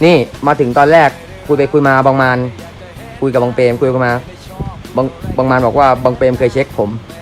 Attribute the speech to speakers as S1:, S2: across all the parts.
S1: นี่มาถึงตอนแรกคุยไปคุยมาบางมานคุยกับบางเปรมคุยกันมาบางมานบอกว่าบางเปรมเคยเช็คผม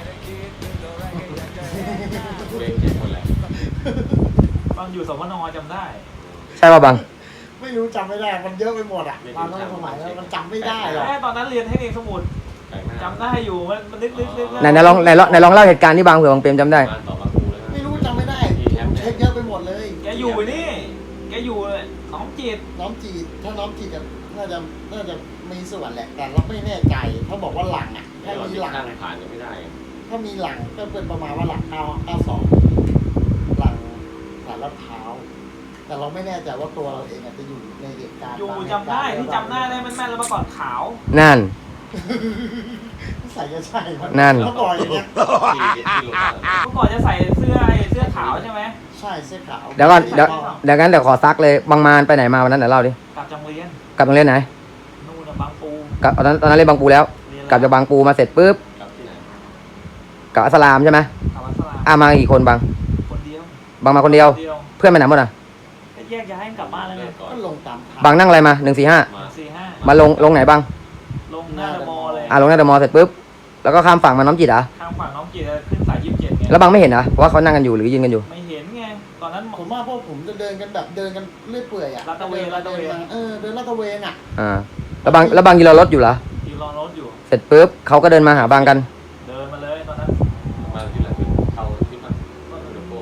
S2: ตอนอยู่สมนจำได้
S1: ใช่ป่ะบาง
S3: ไม่รู้จำไม่ได้มันเยอะไปหมดอ่ะตอนนั้นสมัยนั้นมันจำไม่ได้หรอก
S2: ตอนนั้นเรียนเทคนิคสมุดจำได้อยู่มันนึก
S1: ไหนลองเล่าเหตุการณ์ที่บางเผื่อบางเปรมจำได้
S3: ไม่รู้จำไม่ได้ผมเช็คเยอะไปหมดเลย
S2: แกอยู่นี่แกอยู่น้องจิต
S3: น้องจีดถ้าน้องจีดน่าจะมีส่วนแหละแต่เราไม่แน่ใจเขาบอกว่าหลังอ่ะถ้ามีหลัง
S4: ผ่านยังไม่ได้
S3: ถ้ามีหลังก็เป็นประมาณว่าหลัง92หลังสารลาดพร้าวแต่เราไม่แน่ใจว่าตัวเราเองอาจจะอยู่ในเหตุการณ์
S2: อยู่จำได้ที่จำได้แม่นแล้วเมื่อก่อนขาว
S1: นั่น
S3: ใส่จะใช่ไหม
S1: นั่น
S3: เขาบอกอย่างเงี้ย
S2: เมื่อก่อนจะใส่เสื้อขาวใช่ไหม
S3: ใช่เสื้อขาว
S1: เดี๋ยวก่อนเดี๋ยวงั้นเดี๋ยวขอซักเลยบางมานไปไหนมาวันนั้นเดี๋ยวเล่าดิ
S2: กลับจังเรียน
S1: กลับโรงเรียนไหน
S2: นู่นบางปู
S1: กลับตอนนั้นเรียนบางปูแล้วกลับจากบางปูมาเสร็จปุ๊บกลับอัสสลามใช่ไหม
S2: กลับวัดสลา
S1: มากี่คนบาง
S2: คนเดียว
S1: บางมาคนเดียว เพื่อนไปไหนหมดอ่ะ
S2: ก็แยกย้ายกลับบ้านแล้วไง
S3: ก็ลงตามทาง
S1: บางนั่งอะไรมา145
S2: 4-5
S1: มาลงไหนบาง
S2: ลงหน้าเดอะมอลล์เลย
S1: ลงหน้าเดอะมอลล์เสร็จปุ๊บแล้วก็ข้ามฝั่งมาน้อมจิตเหรอ่ะ
S2: ทางฝั่งน้องจิตขึ้นสาย27ไง
S1: แล้วบางไม่เห็นเหรอเพราะว่าเขานั่งกันอยู่หรือยืนกันอยู่
S2: ไม่เห็นไงตอนนั้น
S3: ผมว่าพวกผมจะเดินกันแบบเดินกันเรื่อยเปื่อยอ่ะ
S2: ลาดตระเวนลาดตระเวน
S3: เดินลาดตระเวนอ่ะ
S1: แล้วบางยืนรอรถอยู่เหรอ
S2: ยืนรอรถอยู่
S1: เสร็จปุ๊บเขาก็เดินมาหาบางกัน
S2: เดินมาเลยตอนนั้น
S4: มาที่หลังเขาที่มันเดโก้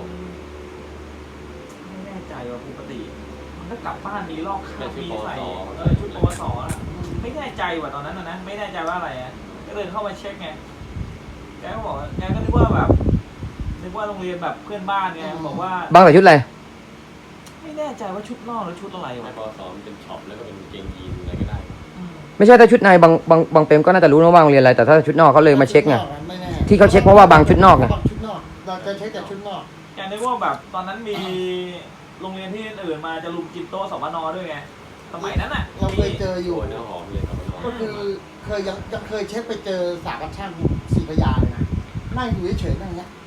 S2: ไม่แน่ใจว่าปกติมันก็กลับบ้านมีลอกคราบมีใส่ชุดปวสไม่แน่ใจว่าตอนนั้นนะไม่แน่ใจว่าอะไรอ่ะก็เดินเข้ามาเช็คไงแกก็บอกแกก็นึกว่าแบบนึกว่าโรงเรียนแบบเพื่อนบ้านไงบอกว่า
S1: บางใส่ชุดอะไร
S2: ไม่แน่ใจว่าชุดนอกหรือชุดอะไร
S4: ใน
S2: วะ
S4: ปสมันเป็นช็อปแล้วก็เป็นเกงยีนอะไรก็ได้
S1: ไม่ใช่ถ้าชุดในบางเปรมก็น่าจะรู้นะว่าโรงเรียนอะไรแต่ถ้าชุดนอกเขาเลยมาเช็คไง
S3: ไม่แน่
S1: ที่เขาเช็คเพราะว่าบางชุดนอกไง
S3: บางชุดนอกเราจะเช็คแต่ชุดนอก
S2: แกนึกว่าแบบตอนนั้นมีโรงเรียนที่อื่นมาจะลุมกินโต๊ะสมนด้วยไงสมัยนั้นอ่ะ
S3: เราเคยเจออยู่
S4: โอ้เนื้อหอมเลยครับ
S3: ก็คือเคยยังเคยเช็คไปเจอสาบัญช่างศรีพระยาเลยนะนั่งอยู่เฉยๆนั่งเงี้ย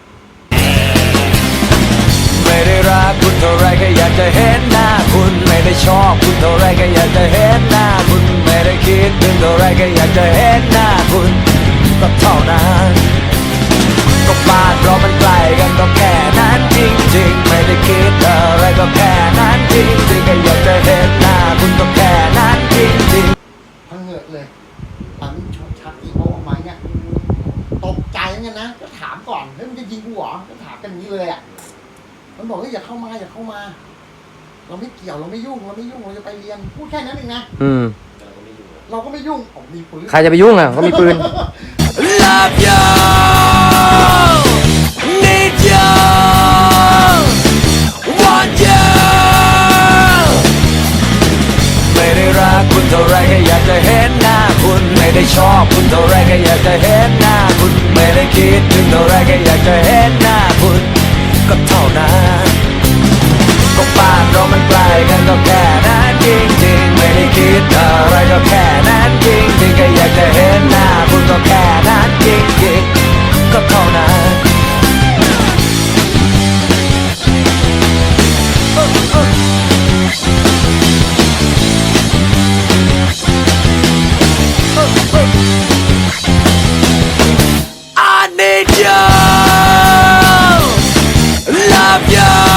S5: ไม่ได้รักคุณเท่าไรก็อยากจะเห็นหน้าคุณไม่ได้ชอบคุณเท่าไรก็อยากจะเห็นหน้าคุณไม่ได้คิดถึงเท่าไรก็อยากจะเห็นหน้าคุณก็เท่านั้นก็บ้านเรามันใกล้กันก็แค่นั้นจริงๆไม่ได้คิดอะไรก็แค่นั้นจริงๆก็อยากจะเห็นหน้าคุณก็แค่นั้นจริงๆ
S3: พังเหงือกเลยตอนนี้ชักอีโมออกมาเนี่ยตกใจเหมือนกันนะก็ถามก่อนเฮ้ยมันจะยิงกูเหรอก็ถามกันอย่างนี้เลยอ่ะมันบอกว่าอย่าเข้ามาอย่าเข้ามา เราไม่เกี่ยวเราไม่ยุ่งเราจะไปเรียนพูดแค่นั้นเองนะเราก็ไม่ยุ่งผมมีปืน
S1: ใครจะไปยุ่งอ่ะเขามีปืน
S5: Love you, need you, want you ไม่ได้รักคุณเท่าไรก็อยากจะเห็นหน้าคุณไม่ได้ชอบคุณเท่าไรก็อยากจะเห็นหน้าคุณไม่ได้คิดถึงเท่าไรก็อยากจะเห็นหน้าคุณก็เท่านั้นก็บ้านเรามันใกล้กันก็แค่นั้นจริงๆไม่ได้คิดอะไรก็แค่นั้นจริงๆก็อยากจะเห็นหน้าคุณก็แค่นั้นจริงๆก็เท่านั้นI need you, love you